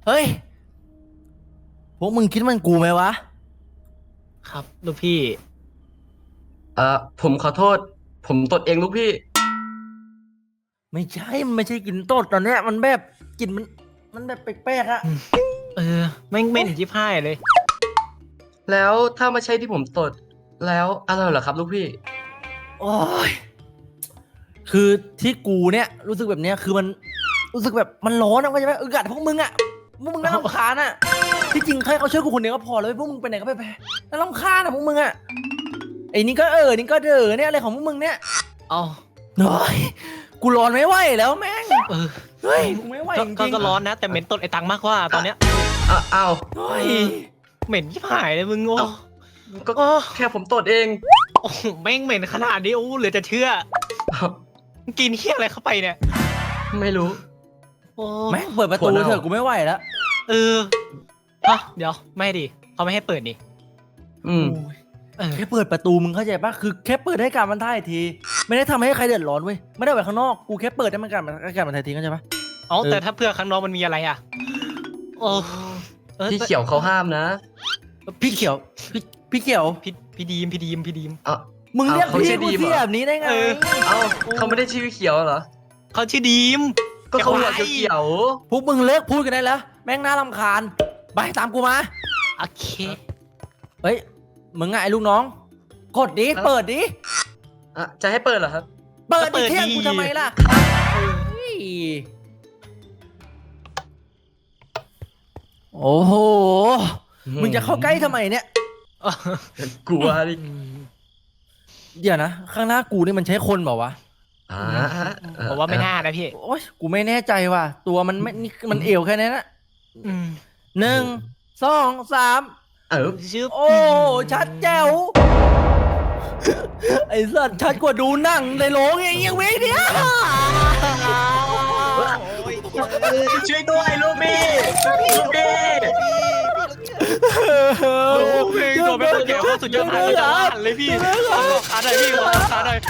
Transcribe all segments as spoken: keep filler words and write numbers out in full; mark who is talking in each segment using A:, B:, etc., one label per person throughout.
A: เฮ้ยพวกมึงคิดมันกูไหมวะ
B: ครับลูกพี่
C: เอ่อผมขอโทษผมตดเองลูกพี่
A: ไม่ใช่มันไม่ใช่กลิ่นตดตอนเนี้ยมันแบบกลิ่นมันมันแบบแปลกๆอะ
B: เออแม่งเหม็นชิบหายเลย
C: แล้วถ้าไม่ใช่ที่ผมตดแล้วอะไรเหรอครับลูกพี่
A: โอ้ยคือที่กูเนี่ยรู้สึกแบบเนี้ยคือมันรู้สึกแบบมันร้อนอะเข้าใจไหมอึดอัดพวกมึงอะพวกมึงน่ารำคาญอะที่จริงแค่เขาช่วยกูคนเดียวก็พอแล้วพวกมึงไปไหนก็ไปไปน่ารำคาญอะพวกมึงอะไอ้นี่ก็เออนี่ก็เดอเนี่ยอะไรของพวกมึงเนี่ย
B: เอา
A: เฮ้ยกูร้อนไม่ไหวแล้วแม่ง
B: เออ
A: เฮ้ยกูไม่ไหวจริง
B: ก็ร้อนนะแต่เหม็นตดไอ้ตังมากกว่าตอนเนี้ย
C: อ่ะอ้าว
A: เฮ้ย
B: เหม็นชิบหายเลยมึงโอ้
C: ก็แค่ผมตดเอง
B: โอ้แม่งเหม็นขนาดนี้โอ้เหลือจะเชื่อกินเหี้ยอะไรเข้าไปเนี่ย
C: ไม่รู้
B: โอ้
A: แม่งเปิดประตูเถอะกูไม่ไหวแล้ว
B: เออฮะเดี๋ยวไม่ดิเขาไม่ให้เปิดนี่
C: อืม
A: แค่เปิดประตูมึงเข้าใจปะคือแค่เปิดให้การมันถ่ายทีไม่ได้ทำให้ใครเดือดร้อนเว้ยไม่ได้ไปข้างนอกกูแค่เปิดให้มันการมันการมันถ่ายทีเข้าใจปะ
B: อ๋อแต่ถ้าเพื่อข้างนอกมันมีอะไรอ่ะโอ้
C: พี่เขียวเขาห้ามนะ
A: พี่เขียวพี่พี่เขียว
B: พี่พี่ดีมพี่ดีมพี่ดีม
C: อ่ะ
A: มึงเรียกพี่กูที่แบบนี้ได้ไง
C: เอ้าเขาไม่ได้ชื่อเขียวเหรอ
B: เขาชื่อดีม
C: ก็เขาหัวเขียว
A: พวกมึงเลิกพูดกันได้แล้วแม่งน่ารำคาญไปตามกูมา
B: โอเค
A: เฮ้ยมึงไงลูกน้องกดดิเปิดดิ
C: อ่ะจะให้เปิดเหรอครับ
A: เปิดดิเที่ยงกูทำไมล่ะโอ้โหมึงจะเข้าใกล้ทำไมเนี่ย
C: กลัวดิ
A: เดี๋ยวนะข้างหน้ากูนี่มันใช้คนเปล่าวะ
C: อ่า
B: ผมว่าไม่น่านะพี่
A: โอ้ยกูไม่แน่ใจว่ะตัวมันไม่นี่มันเอวแค่นี้นะหนึ่งสองสาม
C: เออ
B: ชื่อ
A: โอ้ชัดแจ๋วไอ้สัตว์ชัดกว่าดูหนังในโรงอย่างเงี้ยเว้ยเนี่ย
C: ช่วยด้วยลูกพี่ลูกพี่
B: ลูกพี่ตัวไม่ต้องเกี่ยวข้สุดยอดเลยจ้าเลยพี่ขอขาหน่อยพี่ขอขาหน่อย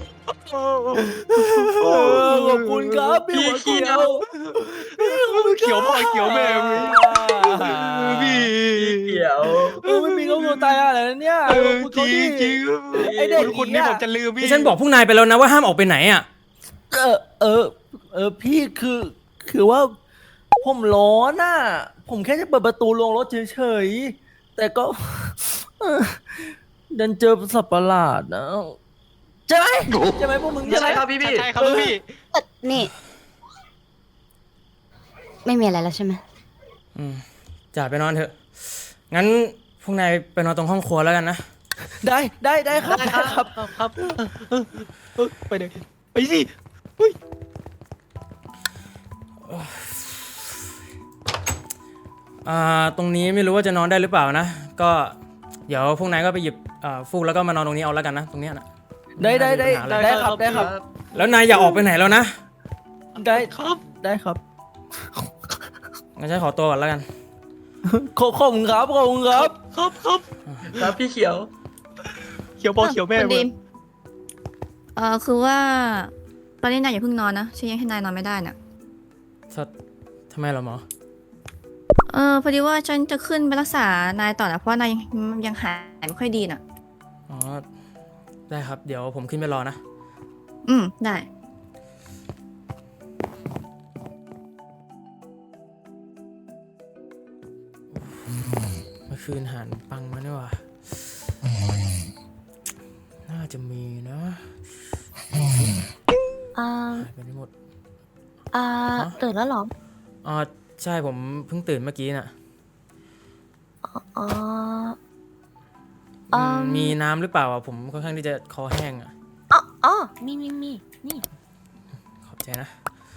A: ขอบคุณครับพี่เขียว
B: เขียวพ่อเขียวแม่พี่
C: เขียว
A: ไม่มีก็โมตายอะไรเนี่ย
B: จริงจริงไอเด็กคนนี้ผมจะลืมพี่
D: ฉันบอกพวกนายไปแล้วนะว่าห้ามออกไปไหนอ่ะ
A: เออเออเออพี่คือคือว่าผมร้อนอ่ะผมแค่จะเปิดประตูลงรถเฉยๆแต่ก็ดันเจอสัตว์ประหลาดนะใช่ไหมใช่ไหมพวกมึง
C: ใช่ครับพี่พี่
B: ใช่ครับพี่
E: นี่ไม่มีอะไรแล้วใช่ไหม
D: อืมจ่าไปนอนเถอะงั้นพวกนายไปนอนตรงห้องครัวแล้วกันนะ
A: ได้ได้ได้ครับได้
B: ครับครับไปเลยไปสิ
D: อ่าตรงนี้ไม่รู้ว่าจะนอนได้หรือเปล่านะก็เดี๋ยวพวกนายก็ไปหยิบอ่าฟูกแล้วก็มานอนตรงนี้เอาแล้วกันนะตรงนี้นะ
A: ได้ได้ได้ได้ครับได้ครับ
D: แล้วนายอย่าออกไปไหนแล้วนะ
A: ได้ครับได้ครับ
D: งั้นฉันขอตัวก่อนแล้วกัน
A: ขอบคุณครับขอบคุณครับ
B: ครับครับ
C: ครับพี่เขียว
B: เขียวพ่อเขียวแม่
E: คุณดีมเออคือว่าตอนนี้นายอย่าเพิ่งนอนนะฉันยังให้นายนอนไม่ได้น่ะ
D: ทำไมเหรอหมอ
E: เออพอดีว่าฉันจะขึ้นไปรักษานายต่อนะเพราะนายยังหายไม่ค่อยดีน่ะ
D: อ๋อได้ครับเดี๋ยวผมขึ้นไปรอนะ
E: อืมได้
D: เมื่อคืนหันปังมาเนี่ยว่ะน่าจะมีนะ
E: อ่า
D: ไปไม่หมด
E: อ่าตื่นแล้วหรอ
D: อ๋อใช่ผมเพิ่งตื่นเมื่อกี้น่ะ
E: อ๋อ
D: มีน้ำหรือเปล่าอ่ะผมค่อนข้างที่จะคอแห้งอ่ะ
E: อ๋ออ๋อมีมีมีนี่
D: ขอบใจนะ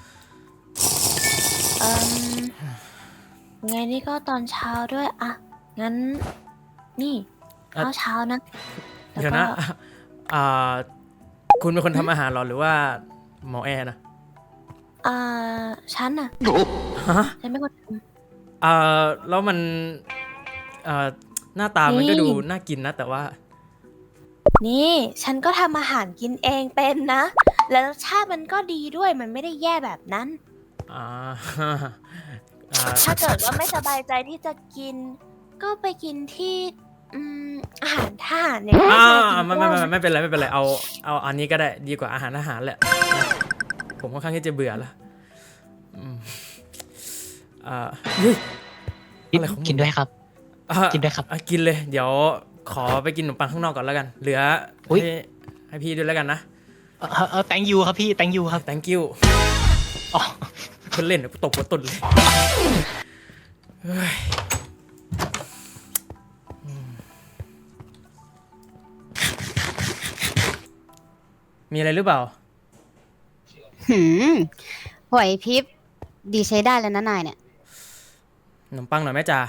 E: อืมไงนี่ก็ตอนเช้าด้วยอ่ะงั้นนี่ข้าวเช้านะ
D: เดี๋ยวนะอ่าคุณเป็นคนทำอาหารหรอหรือว่าหมอแอร์นะ
E: อ่าฉันน่ะ
D: ฮะ
E: ฉันไม่คนท
D: ำอ่าแล้วมันอ่าหน้าตามันก็ดูน่ากินนะแต่ว่า
E: นี่ฉันก็ทำอาหารกินเองเป็นนะแล้วรสชาติมันก็ดีด้วยมันไม่ได้แย่แบบนั้น
D: อ่าอ่า
E: ถ้าเกิดว่าไม่สบายใจที่จะกิน ก็ไปกินที่อืมอาหารทหารเนี่ย
D: อ่า
E: กิน
D: ไม่ไม่ไม่ไม่เป็นไรไม่เป็นไรเอาเอาอันนี้ก็ได้ดีกว่าอาหารอาหารแหละนะผมค่อนข้างที่จะเบื่อละอืมอ่าเฮ้ยอะไรของมึง
B: กินด้วยครับ
D: อ่ะ
B: กินด้วยครับ
D: อ่ะกินเลย เดี๋ยวขอไปกินขนมปังข้างนอกก่อนแล้วกัน เหลือ
B: อุ๊ย
D: ให้ให้พี่ด้วยแล้วกันนะ
B: เออเออ thank you ครับพี่ thank you ครับ
D: thank you
B: อ๋อ
D: เพิ่นเล่นเดี๋ยวกูตบหัวตุ่นเลยเฮ้ยอืมมีอะไรหรือเปล่า
F: หืมไหวพริบดีใช้ได้แล้วนะนายเนี่ย
D: ขนมปังหน่อยไหมจ่า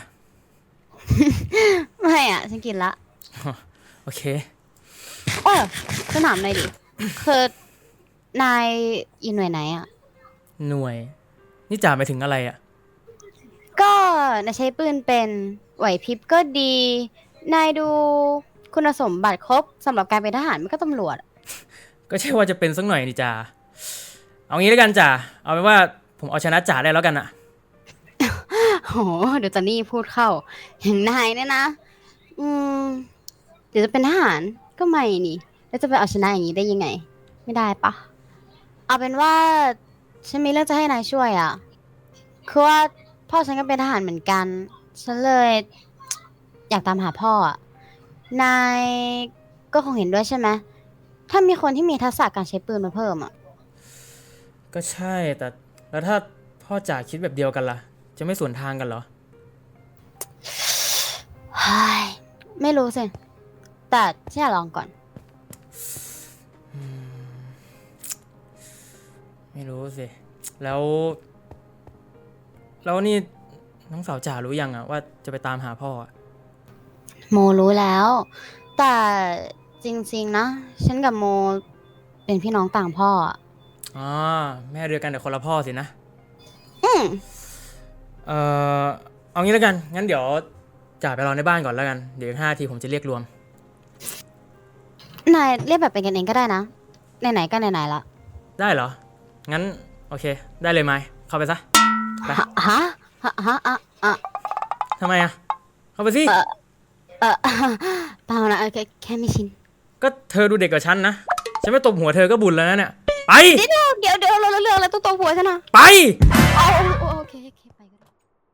F: ไม่อ่ะ ฉันกินละ
D: โอเค
F: เออฉันถามหน่อยดิ คือนายอยู่หน่วยไหนอ่ะ
D: หน่วย นี่จ่าไปถึงอะไรอ่ะ
F: ก็นายใช้ปืนเป็นไหวพริบก็ดี นายดูคุณสมบัติครบสำหรับการเป็นทหารมันก็ตำรวจ
D: ก็ใช่ว่าจะเป็นสักหน่อยนี่จ่า เอางี้แล้วกันจ่า เอาเป็นว่าผมเอาชนะจ่าได้แล้วกันอะ
F: โหเดี๋ยวจอนนี่พูดเข้าอย่างนายเนี่ยนะ อืม เดี๋ยวจะเป็นทหารก็ไม่นี่ แล้วจะไปเอาชนะอย่างนี้ได้ยังไง ไม่ได้ปะ เอาเป็นว่าฉันมีเรื่องจะให้นายช่วยอ่ะ คือว่าพ่อฉันก็เป็นทหารเหมือนกัน ฉันเลย อยากตามหาพ่ออ่ะ นายก็คงเห็นด้วยใช่ไหม ถ้ามีคนที่มีทักษะการใช้ปืนมาเพิ่มอ่ะ
D: ก็ใช่ แต่แล้วถ้าพ่อจ่าคิดแบบเดียวกันล่ะ จะไม่สวนทางกันเหรอ
F: เฮ้ยไม่รู้สิ แต่ฉันอยากลองก่อน
D: ไม่รู้สิ แล้ว แล้วนี่น้องสาวจ่ารู้ยังอะว่าจะไปตามหาพ่ออะ
F: โมรู้แล้ว แต่จริงๆนะ ฉันกับโมเป็นพี่น้องต่างพ่ออะ
D: อ๋อแม่เดียวกันแต่คนละพ่อสินะ
F: อืม
D: เอ่อ เอางี้แล้วกัน งั้นเดี๋ยวจ่าไปรอในบ้านก่อนแล้วกัน เดี๋ยวอีกห้านาทีผมจะเรียกรวม
F: นายเรียกแบบเป็นกันเองก็ได้นะ ไหนๆก็ไหนๆละ
D: ได้เหรอ งั้นโอเค ได้เลยไหมเข้าไปซะ ไป
F: ฮะฮะฮะฮะอะอะ
D: ทำไมอะเข้าไปสิ
F: เออเออเปล่านะแค่แค่ไม่ชิน
D: ก็เธอดูเด็กกว่าฉันนะ ฉันไม่ตบหัวเธอก็บุญแล้วนะเนี่ย ไป
F: เดี๋ยวเดี๋ยวเดี๋ยวเราเรื่องอะไรต้องตัวหัวฉันนะ
D: ไป
F: เอาเอาโอเคโอเคไปก็ได้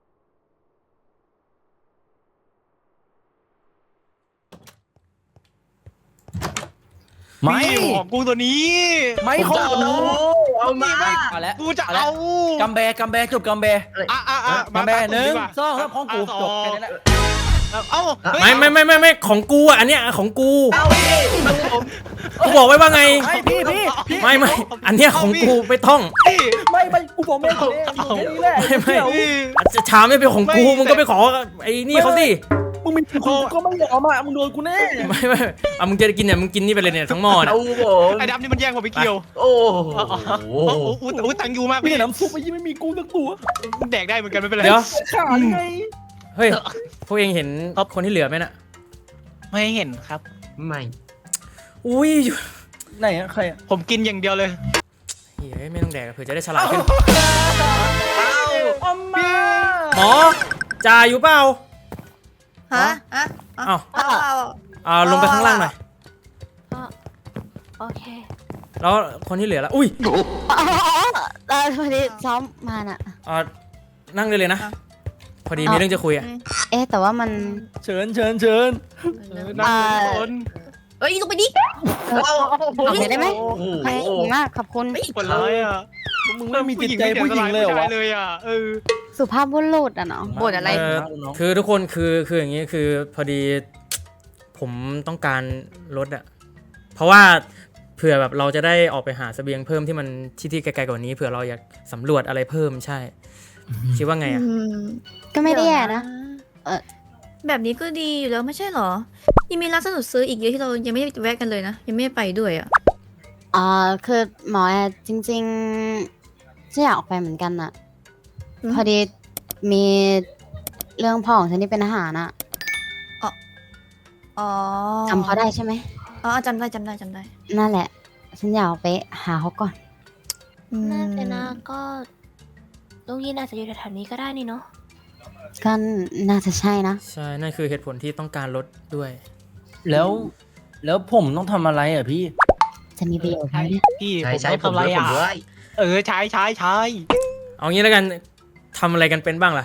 A: ไม่
B: พี่ของกูตัวนี้
A: ไม่ของ
C: เอา
A: กู
C: เอามา
A: เอาแล้ว
B: กูจะ
A: แล้ว
B: เอา
A: กำแบกำแบจบกำแบ
B: อ่ะอ่ะอ่ะ
A: กำแบ
B: ตา
A: หนึ่ง
B: ดีกว่า
A: สองสามของกูจบแค่นี้แหละ
B: เอ้าเฮ้ย
D: ไม่ไม่ไม่ไม่ไม่ของกูอ่ะอันเนี้ยของกู
C: เอาดิ
D: กูบอกไว้ว่าไง
A: ไม่พี่พี่พี่
D: ไม่ไม่อันเนี้ยของกูไม่ต้อง
B: พี่
A: ไม่ไม่กูบอกไม่คนนี้แค่นี้แหละ
D: ไม่ไม่
A: เดี๋ยว
B: พี่
D: อาจจะช้าไม่เป็นของกู
B: ไม่
D: มึงก็ไปขอไอ้นี่เขาสิ
A: มึงมีกูก็ไม่ยอมอ่ะมึงโดนกูแน่
D: ไม่ไม่อ่ะมึงจะกินเนี่ยมึงกินนี่ไปเลยเนี่ยทั้งหม้อเนี่ย
C: เอาผม
B: ไอ้ดำนี่มันแย่งผมไปเกี่ยว
C: โอ้โห
B: โอ้โหโอ้โหตังยูมาก
A: พี่
B: พี่
A: น้ำซุปไม่ยิ่งไม่มีกูสักตัว
B: แดกได้เหมือนกันไม่เป็นไร
D: เดี๋ยว
A: ขาดไง
D: เฮ้ยพวกเองเห็นคนที่เหลือไหมน่ะ
B: ไม่เห็นครับ
C: ไม่
D: อุ้ย
A: ไหนอะใครอะ
B: ผมกินอย่างเดียวเลย
D: เฮ้ยไม่ต้องแดกเผื่อจะได้ฉลาดขึ้น
A: เอามา
D: หมอจ่าอยู่เปล่า
G: ฮะฮะ
D: อ้าว
G: เอาเอา
D: อ่าลงไปข้างล่างหน่อย
E: โอเค
D: แล้วคนที่เหลือละอุ้ย
F: อ๋อเออพอดีซ้อมมาน่ะ
D: อ่านั่งได้เลยนะ พอดีมีเรื่องจะคุยอ่ะ
F: เอ๊ะแต่ว่ามัน
A: เชิญเชิญเชิญ
B: นั่งคน
G: เอ้ยลงไปดิ
F: เออเอาเดี๋ยวได้ไหม
C: โอ้โห
F: ขอบคุณมากขอบคุณ
B: คนร้ายอ่ะ
A: มึงไม่มีจิตใจผู้หญิงเลยเหรอ
B: ผู้
A: วะ
B: ชายเลยอ่ะเออ
F: สุภาพบุรุษอ่ะเนาะ
G: บ่นอะไร
D: เออคือทุกคนคือคืออย่างนี้คือพอดีผมต้องการรถอ่ะ เพราะว่าเผื่อแบบเราจะได้ออกไปหาเสบียงเพิ่มที่มันที่ที่ไกลๆกว่านี้เผื่อเราอยากสำรวจอะไรเพิ่มใช่ คิดว่าไงอ่ะ
G: อืม
F: ก็ไม่ได้แย่นะ เออ
G: แบบนี้ก็ดีอยู่แล้วไม่ใช่เหรอ ยังมีร้านสะดวกซื้ออีกเยอะที่เรายังไม่ได้แวะกันเลยนะ ยังไม่ได้ไปด้วยอ่ะ
F: อ่าคือหมอแอร์จริงๆฉันอยากออกไปเหมือนกันน่ะ
G: อืม
F: พอดีมีเรื่องพ่อของฉันที่เป็นทหารน่ะ
G: อ๋อ
F: จำเขาได้ใช่ไหม
G: อ๋อจำได้จำได้จำได้
F: นั่นแหละ ฉันอยากออกไปหาเขาก่อน
G: อืม
E: น่าจะนะก็ลุงยินอาจจะอยู่แถวๆนี้ก็ได้นี่เนาะ
F: ก็น่าจะใช่นะ
D: ใช่นั่นคือเหตุผลที่ต้องการลดด้วย
A: แล้วแล้วผมต้องทำอะไรอ่ะพี่
F: จะมีประโยชน์ไหม
B: ใช่
F: เนี่ย
B: พี่
C: ใช้
B: ผม
C: ใช้
B: ต้อง
C: ผม
B: ทำอะไร
C: ด้วยผม
B: อ่ะ
C: ด้วย
B: เออใช้ใช้ใช้
D: เอางี้แล้วกันทำอะไรกันเป็นบ้างล่ะ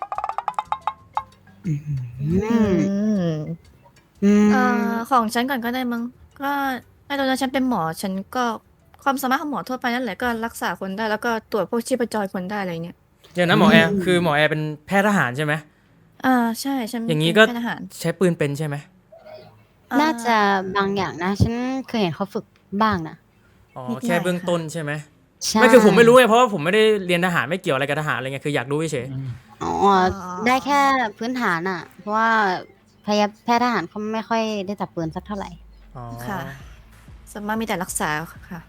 F: อืม
G: อืม
F: อืม
G: เอ่อของฉันก่อนก็ได้มั้งก็ไอ้ตอนนั้นฉันเป็นหมอฉันก็ความสามารถของหมอทั่วไปนั่นแหละก็รักษาคนได้แล้วก็ตรวจพวกชีพจรคนได้อะไรเงี้ย
D: เดี๋ยวนะหมอแอร์คือหมอแอร์เป็นแพทย์ทหารใช่ไหม
G: อ่าใช่ฉัน
D: อย่างนี้ก็
G: เป็นทหาร
D: ใช้ปืนเป็นใช่ไหม
G: อ่
F: น่าจะบางอย่างนะ ฉันเคยเห็นเขาฝึกบ้างนะ
D: อ๋อแค่เบื้องต้นใช่ไหม
F: ใช่
D: ไม่คือผมไม่รู้ไงเพราะว่าผมไม่ได้เรียนทหารไม่เกี่ยวอะไรกับทหารอะไรเงี้ยคืออยากรู้เฉย
F: อ๋อได้แค่พื้นฐานอ่ะ เพราะว่าพยาแพทย์ทหารเขาไม่ค่อยได้จับปืนสักเท่าไหร่
D: ๆอ๋อ
G: ค่ะสามารถมีแต่รักษาค่ะ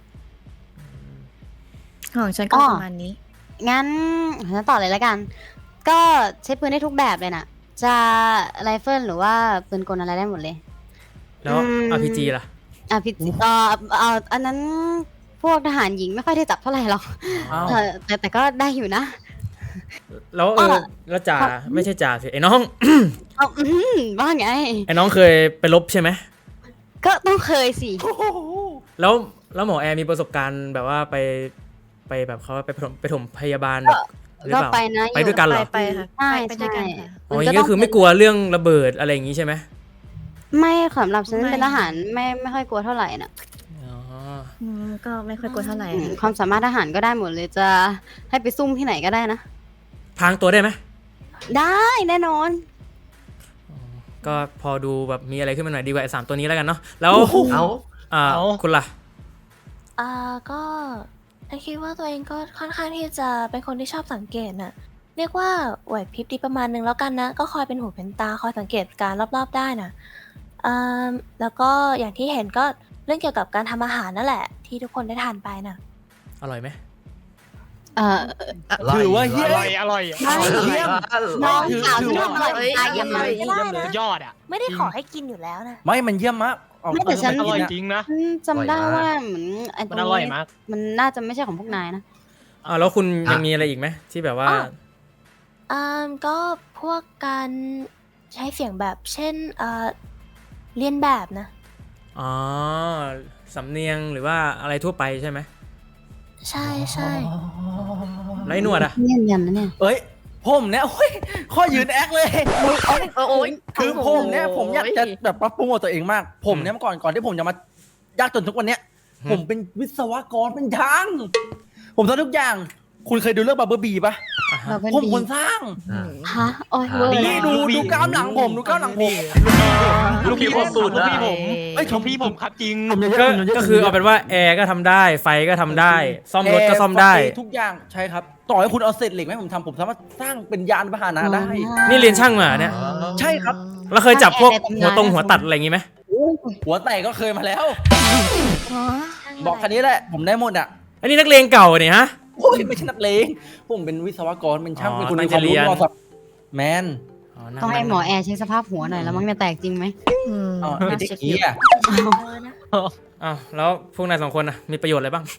G: ของฉันก็
F: อ้อ
G: ประมาณนี้
F: งั้นฉันต่อเลยแล้วกัน ก็ใช้ปืนได้ทุกแบบเลยน่ะ จะไรเฟิลหรือว่าปืนกลอะไรได้หมดเลย
D: แล้ว
F: อืม
D: อาร์พีจีล่ะ
F: อ่ะพี่เอ่อเอ่ออันนั้นพวกทหารหญิงไม่ค่อยได้จับเท่าไหร่หรอก
A: อ้าว
F: เออแต่แต่ก็ได้อยู่นะ
D: แล้วเออ
F: อ่ะ
D: แล้วจ่าไม่ใช่จ่าสิไอ้น้อง
F: เอาอื้อหือว่าไง
D: ไอ้น้องเคยไปรบใช่ไหม
F: ก็ต้องเคยสิ
D: แล้วแล้วหมอแอร์มีประสบการณ์แบบว่าไปไปแบบเขาไปปฐมไปถมพยาบาลแบบหรือ
F: ก็
D: เปล่า
F: ไปนะ
D: ไปด้วยกันเหรอ
G: ไปค่ะ
F: ใช่
G: ไปไปด้วยกันค่ะ
D: อ๋ออย่างนี้ก็คือไม่กลัวเรื่องระเบิดอะไรอย่างนี้ใช่ไหม
F: ไม่สำหรับฉัน
G: ไม่
F: เป็นทหารไม่ไม่ค่อยกลัวเท่าไหร่น่ะ
D: อ๋อ
G: อืมก็ไม่ค่อยกลัวเท่าไหร่
F: อืมความสามารถทหารก็ได้หมดเลยจะให้ไปซุ่มที่ไหนก็ได้นะ
D: พรางตัวได้ไหม
F: ได้แน่นอน
D: ก็พอดูแบบมีอะไรขึ้นมาหน่อยดีกว่าไอ้สามตัวนี้แล้วกันเนาะแล้ว
C: เอา
D: อ่า
B: เอา
D: คุณล่ะ
E: อ่าก็ฉันคิดว่าตัวเองก็ค่อนข้างที่จะเป็นคนที่ชอบสังเกตน่ะ เรียกว่าไหวพริบดีประมาณนึงแล้วกันนะ ก็คอยเป็นหูเป็นตาคอยสังเกตการรอบๆได้น่ะอ่าแล้วก็อย่างที่เห็นก็เรื่องเกี่ยวกับการทำอาหารนั่นแหละ ที่ทุกคนได้ทานไปน่ะ
D: อร่อยไหม
F: เอ่อ
A: ถือว่าเฮี้
B: อย ร่อยอร่อย
F: ไม่
A: เยี่ยม
F: น้อง
A: ถือ
F: สาว
A: ถื
F: ฉั
A: อน ว่า
F: ทำอร่อย
G: เอ้ย
F: ตายยังไง
E: ไม่ได้นะ
B: ยอดอ่ะ
E: ไม่ได้ขอให้กินอยู่แล้วนะ
A: ไม่มันเยี่ยมมากเอา
F: ไม่แต่ฉัน
B: อร่อย
A: เา
B: จริงนะ
F: อืมจำได้ว่าเหมือนไอ้ตร
B: มัน
F: ง
B: อร่อย
F: นี้
B: มาก
F: มันน่าจะไม่ใช่ของพวกนายนะ
D: อ่าแล้วคุณยังมีอะไรอีกไหมที่แบบว่า
E: อ้อ อ่าก็พวกการใช้เสียงแบบเช่นเอ่อเรียนแบบนะ
D: อ๋อสำเนียงหรือว่าอะไรทั่วไปใช่ไหม
E: ใช่ใช่
D: แล้วไอ้หนวดอ่ะ
F: เนียนยันนะเนี่ย
A: เอ้ยผมเนี่ยโอ้ยข้อยืนแอคเลยเอาดิ
G: โอ้ย
A: คือผมเนี่ยผมอยากจะแบบปรับปรุงตัวเองมาก ผมเนี่ยเมื่อก่อนก่อนที่ผมจะมายากจนทุกวันเนี้ย
D: อืม
A: ผมเป็นวิศวกรเป็นช่าง ผมทำทุกอย่าง คุณเคยดูเรื่องบับเบิลบีป่ะ
D: อ่ะฮะ
F: เราเป็น
A: ผม
F: บี
A: คนสร้าง
F: ฮะโอ้ยเวอร์
A: นี่ดูดูกล้ามหลังผมดูกล้ามหลังผม
B: ลูกพี่ผมสูตรลูกพี่ผม
A: เอ้ย
B: ลูกพี่ผมครับจริง
D: ก็ก็คือเอาเป็นว่าแอร์ก็ทำได้ไฟก็ทำได้ ซ่อมรถก็ซ่อมได้
A: แร์ฟทุกอย่างใช่ครับ ต่อให้คุณเอาเศษเหล็กไหมาให้ผมทำผมสามารถสร้างเป็นยานพาหนะได้
D: นี่เรียนช่างมาเนี่ย
A: ใช่ครับ
D: แล้วเคยจับพวกหัวตรงหัวตัดอะไรอย่างงี้ไหม
A: หัวแตกก็เคยมาแล้ว
G: อ๋อ
A: บอกคันนี้แหละ ผมได้หมดอ่ะ
D: อันนี้นักเลงเก่าเนี่ยฮะ
A: โอ้ยไม่ใช่นักเลงผมเป็นวิศวกรเป็นช่าง
D: อ๋อ
A: เป็นคน
D: ตั้
A: มี
D: ง
A: ความ
D: ใจเรี
A: รู้
D: ยน
A: มอสับแมน
D: นั่น
F: ต้องให้หมอแอร์เช็คสภาพหัวหน่อยแล้วมั้งเนี่ยแตกจริงไหม
G: อืม
A: อ๋อ
G: น่า
A: ไอ้เด็ก
G: เช็ค
A: เหี้ย
E: เออนะ
D: อ้าวแล้วพวกนายสองคนน่ะมีประโยชน์อะไรบ้าง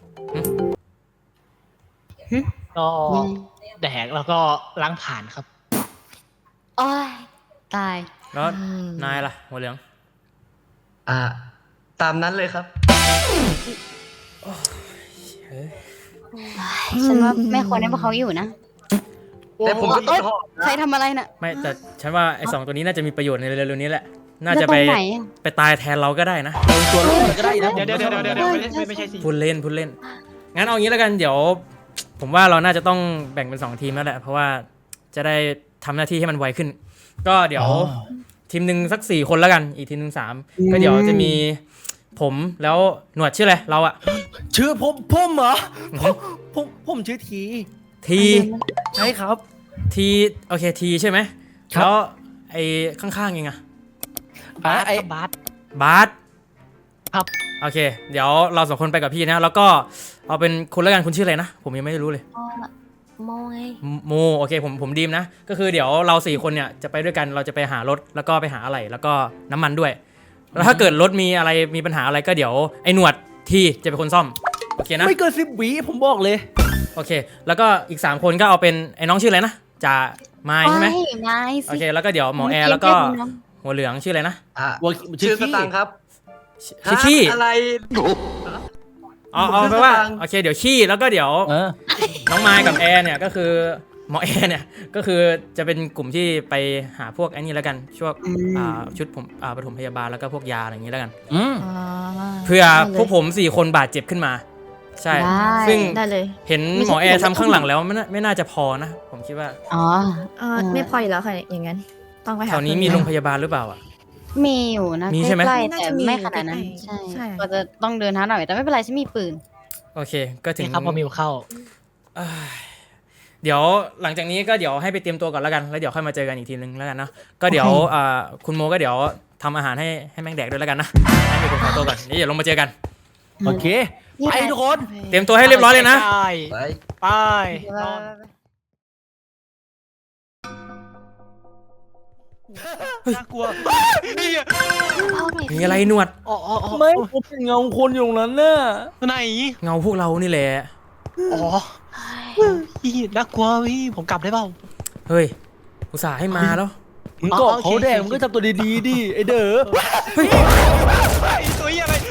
B: ก็แดกแล้วก็ล้างผ่านครับ
F: โอ้ยตาย
D: แล้ว
G: อืม
D: นายล่ะหัวเหลือง
C: อ่า ตามนั้นเลยครับ
F: ฉันว่าไม่ควรให้พวกเขาอยู่นะ
C: แต่ผมก็
F: เอ้ย
C: ชอบ
F: ใครทำอะไรน่ะ
D: ไม่แต่ฉันว่าไอ้สองตัวนี้น่าจะมีประโยชน์ในเร็วๆนี้แหละ น่า
F: แล้ว
D: จะ
F: ต
D: ไป
F: รงไหนอะ
D: ไปตายแทนเราก็ได้นะ
A: ตัวลูกมันก็ได้นะ
B: เดี๋ยวเดี๋ยวเดี๋ยวเดี๋ยวเดี๋ยวไม่ใช่ไม่ใช่สิ
D: พูดเล่นพูดเล่น งั้นเอางี้แล้วกันเดี๋ยว ผมว่าเราน่าจะต้องแบ่งเป็นสองทีมแล้วแหละ เพราะว่าจะได้ทำหน้าที่ให้มันไวขึ้น ก็เดี๋ยว
A: อ๋อ
D: ทีมหนึ่งสักสี่คนแล้วกัน อีกทีมหนึ่งสามก็เดี๋ยวจะมีผมแล้วหนวดชื่ออะไรเราอะ
A: ชื่อผมผมเหรอผมผมผมชื่อที
D: ที
A: ใช่ครับ
D: ทีโอเคทีใช่ไหม
A: ครับ
D: แล้วไอ้ข้างๆยังไง
B: บาส
A: ไอ้
B: ครับบาส
D: บาส
B: ครับ
D: โอเค เดี๋ยวเราสองคนไปกับพี่นะ แล้วก็เอาเป็นคุณแล้วกันคุณชื่ออะไรนะ ผมยังไม่รู้เลย
E: โมไง
D: โมโอเคผมผมดีมนะ ก็คือเดี๋ยวเราสี่คนเนี่ยจะไปด้วยกันเราจะไปหารถแล้วก็ไปหาอะไรแล้วก็น้ำมันด้วย แล้วถ้าเกิดรถมีอะไรมีปัญหาอะไรก็เดี๋ยวไอ้หนวดทีจะเป็นคนซ่อมโอเคนะ
A: ไม่เกินสิบวิผมบอกเลย
D: โอเค แล้วก็อีกสามคนก็เอาเป็นไอ้น้องชื่ออะไรนะจ่าไม้ใช่ไหม
F: ไม่ไม่
D: โอ
F: สิ
D: เคแล้วก็เดี๋ยวหมอแอร์แล้วก็หัวเหลืองชื่ออะไรนะ
C: อ่ะ
A: วัว
C: ชื่อส
A: ขี้
C: ตังค์ครับ
D: ชื่อขี้
C: ฮะอะไร
D: เอาเอาไปนว่าโอเคเดี๋ยวขี้แล้วก็เดี๋ยว
A: เออ
D: น้องไม้กับแอร์เนี่ยก็คือหมอแอร์เนี่ยก็คือจะเป็นกลุ่มที่ไปหาพวกไอ้นี่แล้วกันช่วงอ่าชุดผมอ่าปฐมพยาบาลแล้วก็พวกยาอะไรอย่างนี้แล้วกัน
A: อืม
G: อ๋อ
D: เพื่อพวกผมสี่คนบาดเจ็บขึ้นมา ใช่
F: ได้
D: ซึ่ง
G: ได้เลย
D: เห็นหมอแอร์ทำข้างหลังแล้วไม่น่าไม่น่าจะพอนะ ผมคิดว่า
F: อ๋อ
G: เออไม่พออยู่แล้วค่ะอย่างนั้น ต้องไปหา
D: แถวนี้มีโรงพยาบาลหรือเปล่าอ่ะ
F: มีอยู่นะ
D: มีใช่ไหม
F: ใกล้ๆ
G: น่า
F: แต่
G: จะมี
F: ไม่ขนาดนั้น
G: ใกล้ๆ
F: ใช่
G: ใช่
F: ก็จะต้องเดินเท้าหน่อยแต่ไม่เป็นไรฉันมีปืน
D: โอเค ก็ถึง
B: นี่ครับพอมิวเข้า
D: อ่าเดี๋ยวหลังจากนี้ก็เดี๋ยวให้ไปเตรียมตัวก่อนแล้วกันแล้วเดี๋ยวค่อยมาเจอกันอีกทีนึงแล้วกันเนาะก็เดี๋ยวอ่าคุณโมก็เดี๋ยวทำอาหารให้ให้แม่งแดกด้วยแล้วกันนะให้มีคนขอตัวก่อนนี่เดี๋ยวลงมาเจอกัน
A: โอเคไปทุกคน
D: เตรียมตัวให้เรียบร้อยเลยนะ
B: ไป
C: ไป
B: ไป
F: ไป
B: นอนน่ากลัวนี่อะ
E: เอาหน่อย
D: มีอะไรหนวด
B: อ๋ออ๋ออ๋อ
A: ไม่ผมเป็นเงาคนอยู่ตรงนั้นน่ะ
B: ไหน
D: เงาพวกเรานี่แหละ
B: อ๋อพี่น่ากลัวพี่ผมกลับได้เปล่า
D: เฮ้ยอุตส่าห์ให้มาแล้ว
A: มึงก็
B: อ๋อโอเค
A: เขาแดงมึงก็ทำตัวดีๆดิไอเด้อ
B: ไอ้ตัวเหี้ยอะไร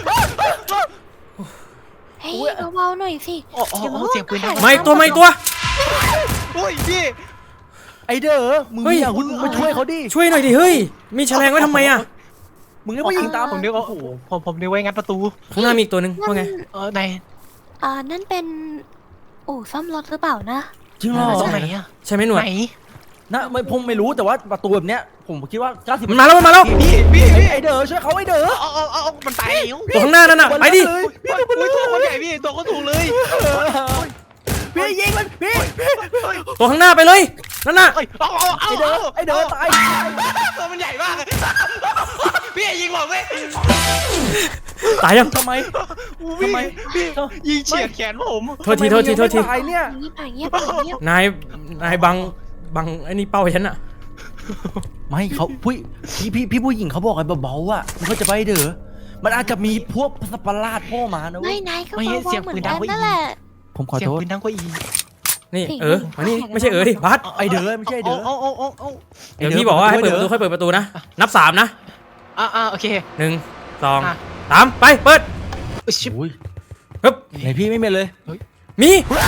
E: เฮ้ยเบาๆหน่อยสิ
B: อ๋ออ๋ออ๋อเสียงปืนดัง
D: ไม่ตัวไม่ตัว
B: โอ้ยพี่
A: ไอเด้อมึง
D: เฮ้ย
A: อย่าคุณมาช่วยเขาดิ
D: ช่วยหน่อยดิเฮ้ยมีแฉลงไว้ทำไมอ่ะ
A: มึงก็ไม่ยิงตาม
B: ผมนึกว่าโอ้โหผมผมนึกว่างัดประตู
D: ข้างหน้ามีอีกตัวหนึ่งว่าไง
B: เออไหน
E: อ่านั่นเป็นอู่ซ่อมรถหรือเปล่านะ
A: จริงเหรอ
B: ตรงไหนอะ
D: ใช่ไหมหนวด
B: ไหน
A: นะไม่ผมไม่รู้แต่ว่าประตูแบบเนี้ยผมคิดว่าเก้าสิบ
D: มันมาแล้วมันมาแล้ว
B: พี่พี่พี่
A: ไอเด้อช่วยเขาไอเด้อ
B: เอาเอาเอาเอามันตายแล้ว
D: ตัวข้างหน้านั่นน่ะไปดิ
B: อุ้ยอุ้ยตัวคนใหญ่พี่ตัวก็ถูกเลย
A: พี่ยิงมันพี่
D: ตัวข้างหน้าไปเลยนั่นน่ะ
B: เอ้ยเอาเอาเอา
A: ไอเด้อไอเด้อตาย
B: ตัวมันใหญ่มากพี่ยิงผมไหม
D: ตายยัง
A: ทำไม
B: ทำไมพี่ยิงเฉียดแขนผม
D: โทษทีโทษทีโทษที
A: ทำไมมึงยังไม่ตายเนี่ย
E: เงียบไปเงียบไปเงียบ
D: นายนายบังบังไอ้นี่เป้าฉันอ่ะ
A: ไม่เขาผู้พี่พี่พี่ผู้หญิงเขาบอกไอ้เบาๆอ่ะมันก็จะไปเด้อมันอาจจะมีพวกสัตว์ประหลาดโผล่มานะเว้
E: ไม่
A: ย
E: นายก็
B: ไม่
E: เบา
B: เสียง
E: ๆเหมือ
B: ปื
E: น
B: นดั
E: กั
B: ง
E: น
B: กว่าอี
E: นั่นแหละ
A: ผมขอ
B: เสียง
A: โทษ
B: ปืนดังกว่าอี
D: นี่เออมานี่ไม่ใช่เออดิบัส
A: ไอเด้อไม่ใช่ไอ้เด้อ
B: เอาเอาเอาเอา
D: เดี๋ยวพี่บอกว่าให้เปิดประตูค่อยเปิดประตูนะนับสามนะ
B: อ่าอ่าโอเค
D: หนึ่งสอง
B: อ่ะ
D: สามไปเปิด
B: ชิบ
A: อุ้ย
D: ฮึบ
A: ไหนพี่ไม่เป็นเลย
D: มี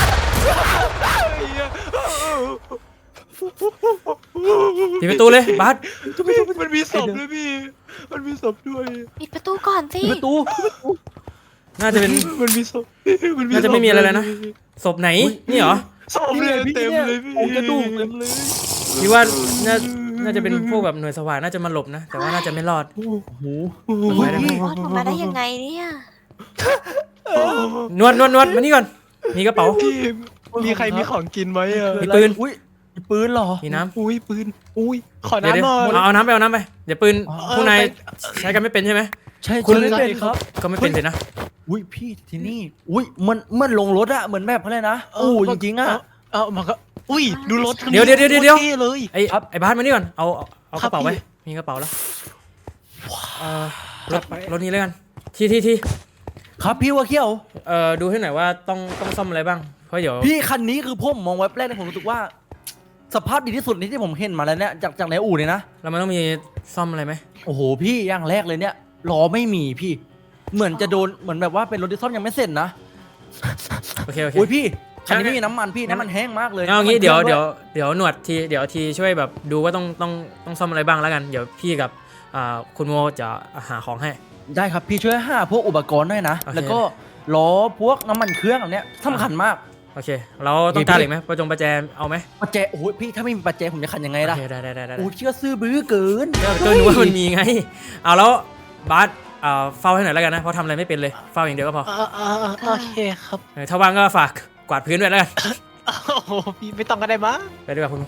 D: ปิดประตูเลยบัส
B: มันมีศพด้วยพี่ มันมีศพด้วย
E: ปิดประตูก่อนสิ
A: ประตู
D: น่าจะเป็น
B: มันมีศพมัน
D: น่าจะไม่มีอะไรแล้วนะ ศพไหนนี่เหรอ
B: ศพเลยเต็มเลยพี่
A: ผมกระดูกเต็มเลย
D: พี่ว่าน่าน่าจะเป็นพวกแบบหน่วยสว่างน่าจะมาหลบนะ แต่ว่าน่าจะไม่รอด
A: โอ้โห
D: ไปได้ไหม
E: รอดออกมาได้ยังไงเนี่ย
D: นวดนวดนวดมานี่ก่อนมีกระเป๋า
B: พี่มีใครมีของกินไหมอ่ะ
D: มีปืน
A: อุ้ยมีปืนเหรอ
D: มีน้ำ
B: อุ้ยปืน อุ้ยขอ
D: เดี๋ยว
B: น้ำหน่อย
D: เอาเอาน้ำไปเอาน้ำไปเดี๋ยวปืน
A: อ๋อ
D: พวกนายใช้กันไม่เป็นใช่ไหม
A: ใช่
D: คุณ
A: ใช่ไม่เป็นครับ
D: ก็ไม่เป็นเลยนะ
A: อุ้ยพี่ที่นี่ อุ้ยมันมันลงรถอะเหมือนแบบอะไรนะอู้จริงๆอะ
B: เออมันก็ อุ้ยดูรถคันนี้
D: เดี๋ยวเดี๋ยวเดี๋ยวเดี๋ยว
B: โคตรท่เลย
D: ไอ้ไอ้บ้านมานี่ก่อนเอาเอาเอา
B: ครั
D: ก
B: บ
D: ระเป๋าไป
B: พี่
D: มีกระเป๋าแล้วเอ่อร
B: จั
D: ถ
B: ดไป
D: รถนี้แล้วกันที่ที่ที่
A: ครับพี่ว่าเขี้ยว
D: เอ่อดูให้หน่อยว่าต้องต้องซ่อมอะไรบ้างเพราะเดี๋ยว
A: พี่คันนี้คือผมมองไว้แรกเนี่ยผมรู้สึกว่า สภาพดีที่สุดในที่ผมเห็นมาแล้วเนี่ยจากจากในอู่เนี่ยนะ
D: เรามันต้องมีซ่อมอะไรไหม
A: โอ้โหพี่อย่างแรกเลยเนี่ยล้อไม่มีพี่ เหมือนจะโดนเหมือนแบบว่าเป็นรถที่ซ่อมยังไม่เสร็จนะ
D: โอเคโอเค
A: โอ้ยพี่คันนี้
D: งั้น
A: ไม่มีน้ำมันพี่น้ำมันแห้งมากเลย
D: เอางี้
A: น้ำมัน
D: เดี๋ยว
A: ครื่อง
D: เดี๋ยวเดี๋ยวหนวดทีเดี๋ยวทีช่วยแบบดูว่าต้องต้องต้องซ่อมอะไรบ้างแล้วกัน เดี๋ยวพี่กับอ่าคุณโมจะหาของให้
A: ได้ครับพี่ช่วยหาพวกอุปกรณ์ด้วยนะ
D: โอเค
A: แล้วก็ล้อพวกน้ำมันเครื่องอันเนี้ยสำคัญมาก
D: โอเค เราต้องการเหล็กไหมประจงประแจเอาไหม
A: ปัจเจโอ้ยพี่ถ้าไม่มีปัจเจผมจะขันยังไง
D: โอ
A: ล่ะ
D: เคได้ได้ได้ได้
A: โอ้ยเชื่อซื้อบื้อเกิน
D: ก็นึกว่ามันมีไง เอาแล้วบาสอ่าเฝ้าให้หน่อยแล้วกันนะเพราะทำอะไรไม่เป็นเลยเฝ้าอย่างเดียวก็พอ
B: เออเออเออโอเคครับ
D: เออถ้าว่างก็ฝากกวาดพื้นด้วยแล้วกัน
B: โอ้โหพี่ไม่ต้องก็ได้มั้ง
D: ไปดีกว่าคุณ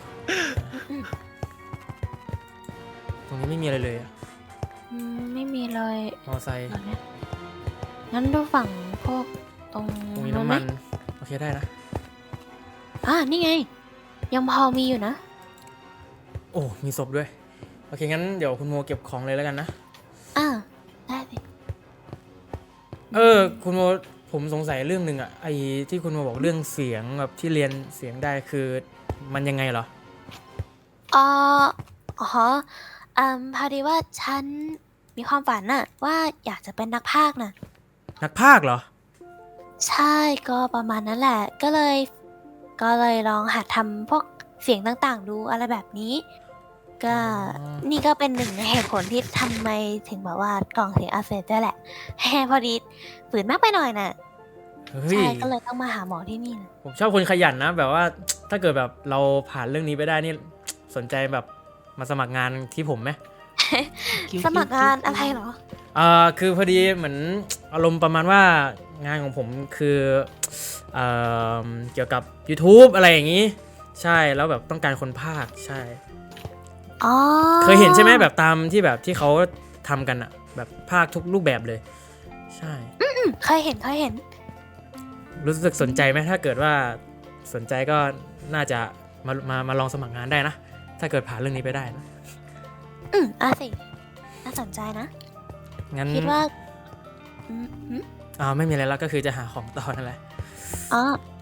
D: ตรงนี้ไม่มีอะไรเลยอะ
E: อืมไม่มีเลย
D: มอไซค์
E: เอาเนี่ยงั้นดูฝั่งพวกตรง
D: ตรงนี้
E: นู้น
D: น้ำ
E: ไหม
D: มันโอเคได้นะ
E: อ่านี่ไง ยังพอมีอยู่นะ
D: โอ้มีศพด้วยโอเคงั้นเดี๋ยวคุณโมเก็บของเลยแล้วกันนะ
E: อ่าได้สิ
D: เออคุณโมผมสงสัยเรื่องหนึ่งอะไอ้ที่คุณมาบอกเรื่องเสียงแบบที่เรียนเสียงได้คือมันยังไงเหรอ
E: อ๋ออ๋ออืมพอดีว่าฉันมีความฝันน่ะว่าอยากจะเป็นนักพากย์น่ะ
D: นักพากย์เหรอ
E: ใช่ก็ประมาณนั้นแหละ ก็เลย ก็เลยลองหัดทำพวกเสียงต่างๆ ดูอะไรแบบนี้ ก็
D: อ๋อ
E: นี่ก็เป็นหนึ่งในเหตุผลที่ทำไมถึงแบบว่ากล่องเสียงอักเสบได้แหละ แฮพอดีฝืนมากไปหน่อยน่ะ
D: เฮ้ย
E: ใช่ก็เลยต้องมาหาหมอที่นี่นะ
D: ผมชอบคนขยันนะ แบบว่าถ้าเกิดแบบเราผ่านเรื่องนี้ไปได้นี่สนใจแบบมาสมัครงานที่ผมไหม
E: สมัครงานอะไรเหรอ
D: เอ่อคือพอดีเหมือนอารมณ์ประมาณว่างานของผมคือเอ่อเกี่ยวกับ YouTube อะไรอย่างนี้ ใช่แล้วแบบต้องการคนพากย์ใช่
E: อ๋อ
D: เคยเห็นใช่ไหมแบบตามที่แบบที่เขาทำกันอะแบบพากย์ทุกรูปแบบเลย ใช่
E: อืมเคยเห็นเคยเห็น
D: รู้สึกสนใจไหมถ้าเกิดว่าสนใจก็น่าจะมามามาลองสมัครงานได้นะ ถ้าเกิดผ่านเรื่องนี้ไปได้นะ
E: อืมอ่ะสิน่าสนใจนะ
D: งั้น
E: คิดว่าอืมอืม
D: อ่าไม่มีอะไรแล้วก็คือจะหาของต่อนั่นแหละ
E: อ๋อ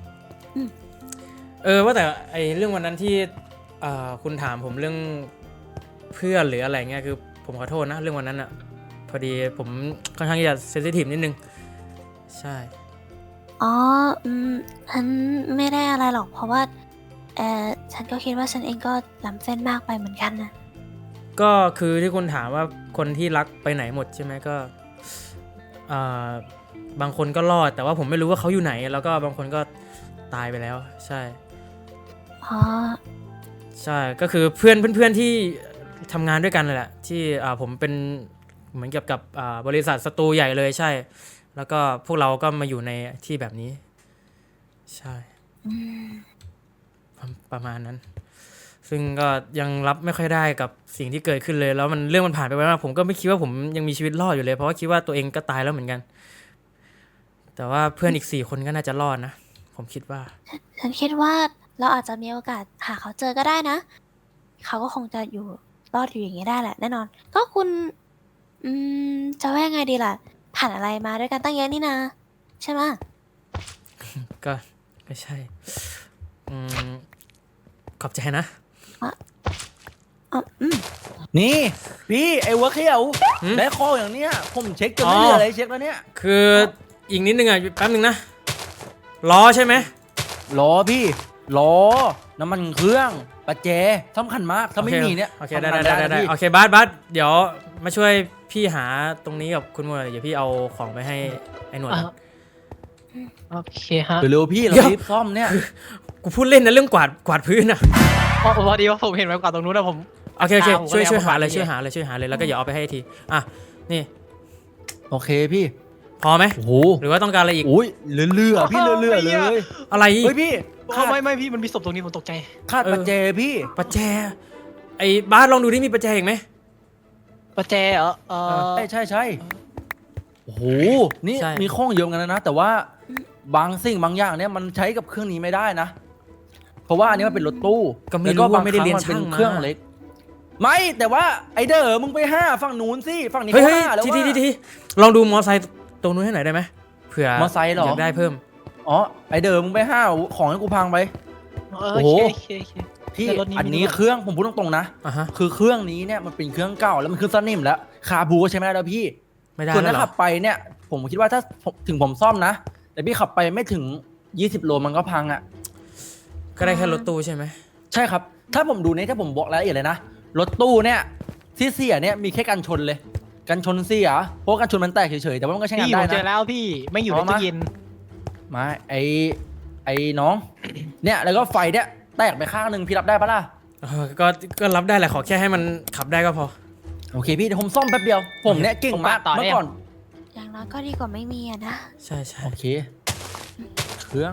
D: เออว่าแต่ไอเรื่องวันนั้นที่เอ่อคุณถามผมเรื่องเพื่อนหรืออะไรเงี้ยคือผมขอโทษนะเรื่องวันนั้นอะพอดีผมค่อนข้างที่จะเซนซิทีฟนิดนึงใช่
E: อ๋อ อืมฉันไม่ได้อะไรหรอก เพราะว่า เออฉันก็คิดว่าฉันเองก็ล้ำเส้นมากไปเหมือนกันนะ
D: ก็คือที่คุณถามว่าคนที่รักไปไหนหมดใช่ไหมก็เอ่อบางคนก็รอดแต่ว่าผมไม่รู้ว่าเขาอยู่ไหน แล้วก็บางคนก็ตายไปแล้วใช่
E: อ๋อ
D: ใช่ก็คือเพื่อนเพื่อนๆที่ทำงานด้วยกันเลยแหละที่อ่าผมเป็นเหมือนเกี่ยวกับอ่าบริษัทสตูใหญ่เลยใช่ แล้วก็พวกเราก็มาอยู่ในที่แบบนี้ ใช่
E: อืม
D: ประประมาณนั้น ซึ่งก็ยังรับไม่ค่อยได้กับสิ่งที่เกิดขึ้นเลย แล้วมันเรื่องมันผ่านไปไวมากผมก็ไม่คิดว่าผมยังมีชีวิตรอดอยู่เลยเพราะว่าคิดว่าตัวเองก็ตายแล้วเหมือนกัน แต่ว่าเพื่อนอีกสี่คนก็น่าจะรอดนะ ผมคิดว่า
E: ฉันคิดว่าเราอาจจะมีโอกาสหาเขาเจอก็ได้นะ เขาก็คงจะอยู่รอดอยู่อย่างนี้ได้แหละแน่นอน ก็คุณ อืม จะว่ายังไงดีล่ะ ผ่านอะไรมาด้วยกันตั้งเยอะนี่นะ ใช่ไหมะ
D: ก็ก็ใช่อืมขอบใจนะ
E: อ๋ออืม
A: นี่พี่ไอ้หัวเขียว
D: หืม
A: ได้ข้ออย่างเนี้ยผมเช็คจนไม่
D: อ๋อ
A: เหลืออะไรเช็คแล้วเนี่ย
D: คืออีกนิดนึงอ่ะแป๊บนึงนะล้อใช่ไหม
A: ล้อพี่ล้อน้ำมันเครื่องประแจสำคัญมากถ้าไม่
D: โอเค
A: มีเนี่ย
D: โอเค
A: ทำ
D: ได้
A: งาน
D: ได้
A: ม่
D: ได้
A: นะ
D: ได้
A: พี่
D: โอเคบัสบัสเดี๋ยวมาช่วยพี่หาตรงนี้กับคุณโมหน่อยเดี๋ยวพี่เอาของไปให้ไอ้หนวด
B: อ่ะโอเคฮะ
A: เร็วๆพี่เรา
D: เดี๋ยว
A: รีบซ่อมเนี่ย
D: กูพูดเล่นนะเรื่องกวาดกวาดพื้นอ่ะ
B: พอพอดีว่าผมเห็นไว้กว่าตรงนู้นนะผม
D: โอเคโอเค
B: ตามผม
D: ช่วย
B: ก็เลย
D: ช่วย
B: เอา
D: หา
B: มา
D: เลย
B: ฝาก
D: ช่วย
B: พี่
D: หาเลยช่วยหาเลยแล้วก็อย่าเอาไปให้ทีอ่ะนี่
A: โอเคพี่
D: พอไหม
A: โอ้โห
D: หรือว่าต้องการอะไรอีก
A: โอ้ยเลื่อๆพี่เลื่อๆเลย
D: อะไร
A: เฮ้ยพี่
B: โอ้
A: คาด
B: ไม่ไม่พี่มันมีศพตรงนี้ผมตกใจ
A: คาดประแจพี่
D: ประแจไอ้บาสลองดูที่มีประแจอีกไหม
B: ประแจเหรอเออ
A: ใช่ใช่ใช่โอ้โหนี่
D: ใช่
A: มีข้องเยอะเหมือนกันนะ แต่ว่าบางสิ่งบางอย่างเนี่ยมันใช้กับเครื่องนี้ไม่ได้นะ เพราะว่าอันนี้มันเป็นรถตู้
D: ก็ไม่
A: แล้ว
D: รู้
A: บา
D: ว่าง ไม่ได้เรียน
A: ครั้
D: ช่าง
A: มั
D: มา
A: เครื่องเล็ก ไม่แต่ว่าไอเดอร์มึงไปห้าฝั่งนู้นสิฝั่งนี้
D: เฮ้ย
A: ก็
D: เฮ้ย
A: ห้าแล้ว
D: ที
A: ว่า
D: ทีทีทีลองดูมอไซค์ตรงนู้นให้หน่อยได้ไหมเผื่อ
A: มอไซค์เหรอ
D: อยากได้เพิ่ม
A: อ๋อไอเดอร์มึงไปห้าของให้กูพังไป
B: เออ
A: โอ้
B: โอ
A: โห
B: เคโอเคโอเค
A: พี่
B: แต่รถนี้
A: อัน
B: มี
A: นี้
B: ด้วย
A: เครื่องผมพูดตรงๆนะ
D: อ่ะฮะ
A: คือเครื่องนี้เนี่ยมันเป็นเครื่องเก่าแล้วมันเครื่องสนิมแล้วคาบูก็ใช้ไม่ได้แล้วพี่
D: ไม่ได้
A: ส่วน
D: แล้ว
A: ถ้า
D: เหร
A: ขั
D: อบ
A: ไปเนี่ยผมคิดว่าถ้าผมถึงผมซ่อมนะ แต่พี่ขับไปไม่ถึงยี่สิบโลมันก็พังอ่ะ
D: ก็ได้แค่รถตู้ใช่ไหม
A: ใช่ครับ ถ้าผมดูเนี่ยถ้าผมบอกรายละเอียดเลยนะรถตู้เนี่ยที่เสียเนี่ยมีแค่กันชนเลยกันชนเสียเพราะกันชนมันแตกเฉยๆแต่ว่ามันก็ใช้งาน
B: พี่ผ
A: ได้
B: มเจอ
A: นะ
B: แล้วพี่ไม่อยู่
A: อ๋
B: ใน
A: อมา
B: ตู้เย็น
A: มาไอไอน้อง เนี่ยแล้วก็ไฟเนี่ยแตกไปข้างหนึ่งพี่รับได้ปะล่ะ
D: เออก็ก็รับได้แหละขอแค่ให้มันขับได้ก็พอ
A: โอเคพี่เดี๋ยวผมซ่อมแป๊บเดียวผมเนี่ยเก่งมาก
B: ผมมาต่อ
A: เมื่
B: ได้
A: อก่อน
E: อย่างน้อยก็ดีกว่าไม่มีอะนะ
D: ใช่ใช่
A: โอเค เครื่อง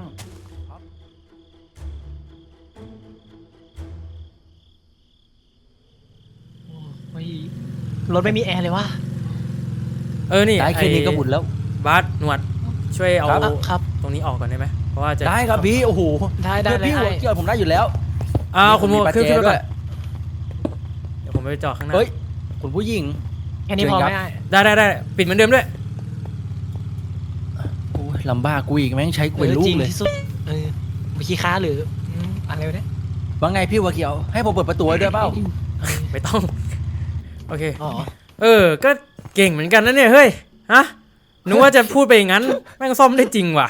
B: เฮ้ยรถไม่มีแอร์เลยว่ะ
D: เออนี่
A: ได้แค่นี้ก็บุญแล้ว
D: บาสหนวดช่วยเอา
A: ครับ
B: อ่ะครับ
D: ตรงนี้ออกก่อนได้ไหมเพราะว่าจะ
A: ได้ครับพี่โอ้โห
B: ได้ได้
A: เพื่อนพี่
B: ได้
A: หัวเกี่ยวผมได้อยู่แล้ว
D: อ้าวคุณโม
A: มีปัจ
D: ขึ้น
A: เจ
D: ขึ้นไป
A: ด้
D: ก่
A: ว
D: อย นเดี๋ยวผมไปจอดข้างหน้า
A: เฮ้ยคุณผู้หญิง
B: แค่นี้พอ
A: เชิญ
B: ไหม
A: ครับ
B: ได้
D: ได้ได้ได้ปิดเหมือนเดิมด้วย
A: โอ้ยยลำบากกูอีกแม่งใช้กูเป็นลู
B: จ
A: ก
B: ริง
A: เลย
B: ที่สุดเออวิคีค้าหรืออืมอะไรวะเนี่ย
A: ว่าไงพี่วัวเขียวให้ผมเปิดประตูให้ด้วยเปล่า
D: ไม่ต้อง โอเค
B: อ๋อ
D: เออ ก็เก่งเหมือนกันนะเนี่ยเฮ้ยฮะนึกว่าจะพูดไปอย่างนั้นแม่งซ่อมได้จริงว่ะ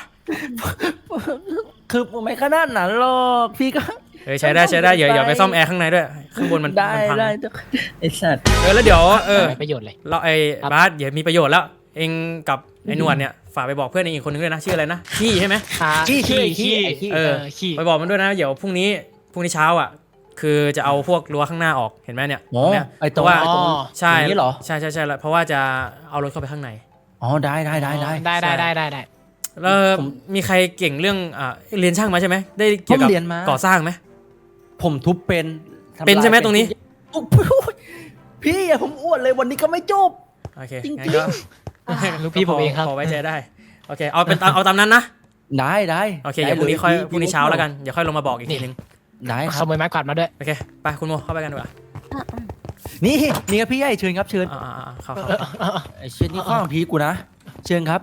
A: คือไม่ขนาดนั้นหรอกพี่ก็
D: เออใช้ได้ใช้ได้อย่าอย่าไปซ่อมแอร์ข้างในด้วยข้างบนมัน
A: ได้
D: มันพัง
A: ได้ไอ้สัตว์
D: เออแล้วเดี๋ยวเออ
B: ไม่ประโยชน์เลย
D: เราไอ้
B: ครับ
D: บาสเดี๋ยวมีประโยชน์แล้ว เองกับไอ้หนวดเนี่ยฝากไปบอกเพื่อนเองอีกคนนึงด้วยนะชื่ออะไรนะขี้ใช่ไหม
B: อ่า
A: ขี้ขี้
B: ขี้
A: ขี้
B: ขี้
D: เอ
B: เอ
D: อ
B: อขี้
D: ไปบอกมันด้วยนะเดี๋ยวพรุ่งนี้พรุ่งนี้เช้าอ่ะ คือจะเอาพวกรั้วข้างหน้าออกเห็นไหมเนี่ย
A: โอ้
D: เนี่ย
A: ไอ้ตรง
D: เพราะว่า
A: ไอ้ตรง
D: ใช่
A: อย่างนี้เหรอ
D: ใช่ใช่ใช่แล้วเพราะว่าจะเอารถเข้าไปข้างใน
A: อ๋อได้ได้ได้ได้
B: ได้ได้ได้ได้ได้
D: แล้ว
A: ผม
D: มีใครเก่งเรื่องอ่าเรียนช่างมาใช่ไหมได้เกี่ยวกับ
A: ผมเรียนมา
D: ก่อสร้างไหม
A: ผมทุบเป็นทำลาย
D: เป็นใช่ไหมตรงนี้
A: โอ้โหพี่อย่าผมอ้วนเลยวันนี้ก็ไม่จบ
D: โอเค
A: จริงๆ
D: งั้นก็
B: ลูกพี่ผมเองครับ
D: พอไว้ใจได้โอเคเอาเป็นตามเอาตามนั้นนะ
A: ได้ได้
D: โอเค
A: ได้
D: เดี๋ยวพรุ่งนี้ค่อย
A: ล
D: พรุ่งนี้เช้าแล้วกันเดี๋ยวค่อยลงมาบอกอีกทีนึง
A: ได้ค
B: ข
A: รับ
B: โมยไม้กวาดมาด้วย
D: โอเคไปคุณโมเข้าไปกันดีกว่า
A: นี่นี่ครับพี่ใหญ่เชิญครับเชิญ
D: อ่าอ่าอ่าเข้าเข้า
A: ไอ้เชิญนี่ข้างพีกูนะเชิญครับ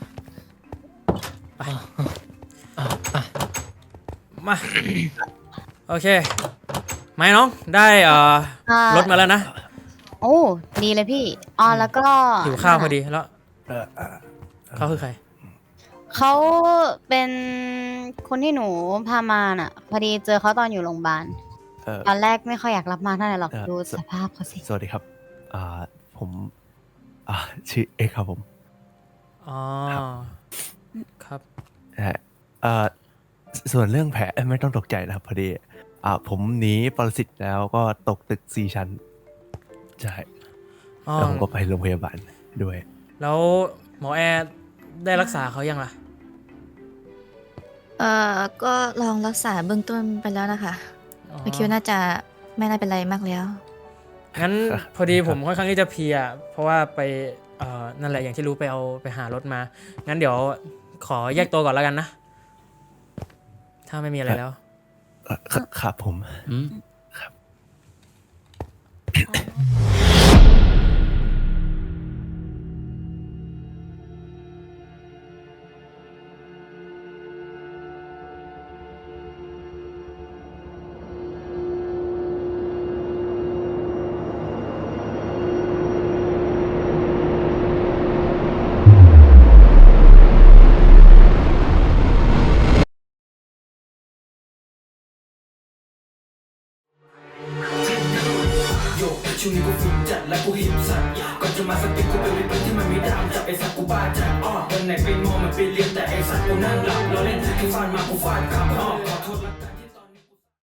D: มาโอเคไหมน้องได้เอ่อ
F: อ่าร
D: ถมาแล้วนะ
F: โอ้ดีเลยพี่อ๋อแล้วก็
D: หิวข้าวพอดีแล้ว
A: เออเออ
D: เขาคือใคร
F: เขาเป็นคนที่หนูพามาน่ะ พอดีเจอเขาตอนอยู่โรงพยาบาล
H: เออ
F: ตอนแรกไม่ค่อยอยากรับมาเท่าไหร่หรอก
H: เอ่อ
F: ดู
H: ส
F: สภาพเขาสิ
H: สวัสดีครับ อ่า ผม อ่า ชื่อเอกครับผม
D: อ๋อครับ
H: เอ่อเอ่อส่วนเรื่องแผลไม่ต้องตกใจนะครับพอดี อ่า ผมหนีปรสิตแล้วก็ตกตึกสี่ชั้น ใช่
D: อ๋อ
H: แล้วผมก็ไปโรงพยาบาลด้วย
D: แล้วหมอแอร์ได้รักษาเขายังล่ะ
G: เอ่อก็ลองรักษาเบื้องต้นไปแล้วนะคะ
D: อ๋อ
G: ไม่คิดว่าน่าจะไม่น่าเป็นไรมากแล้ว
D: งั้นพอดีผมค่อนข้างที่จะเพลียเพราะว่าไปเอ่อนั่นแหละอย่างที่รู้ไปเอาไปหารถมา งั้นเดี๋ยวขอแยกตัวก่อนแล้วกันนะ ถ้าไม่มีอะไรแล้ว
H: เอ่อครับครับผม
A: อืม
I: โยกช่วงนี้กูฝึกจัดและกูหิบสัตว์ก่อนจะมาสติกกูเป็นวิปที่มันไม่ดามจับไอ้สัตว์กูบ้าจัดอ้อวันไหนไปมองมันไปเรียนแต่ไอ้สัตว์กูนั่งหลับเราเล่นแค่ฟาดมากูฟาดกลับอ้อขอโทษละกัน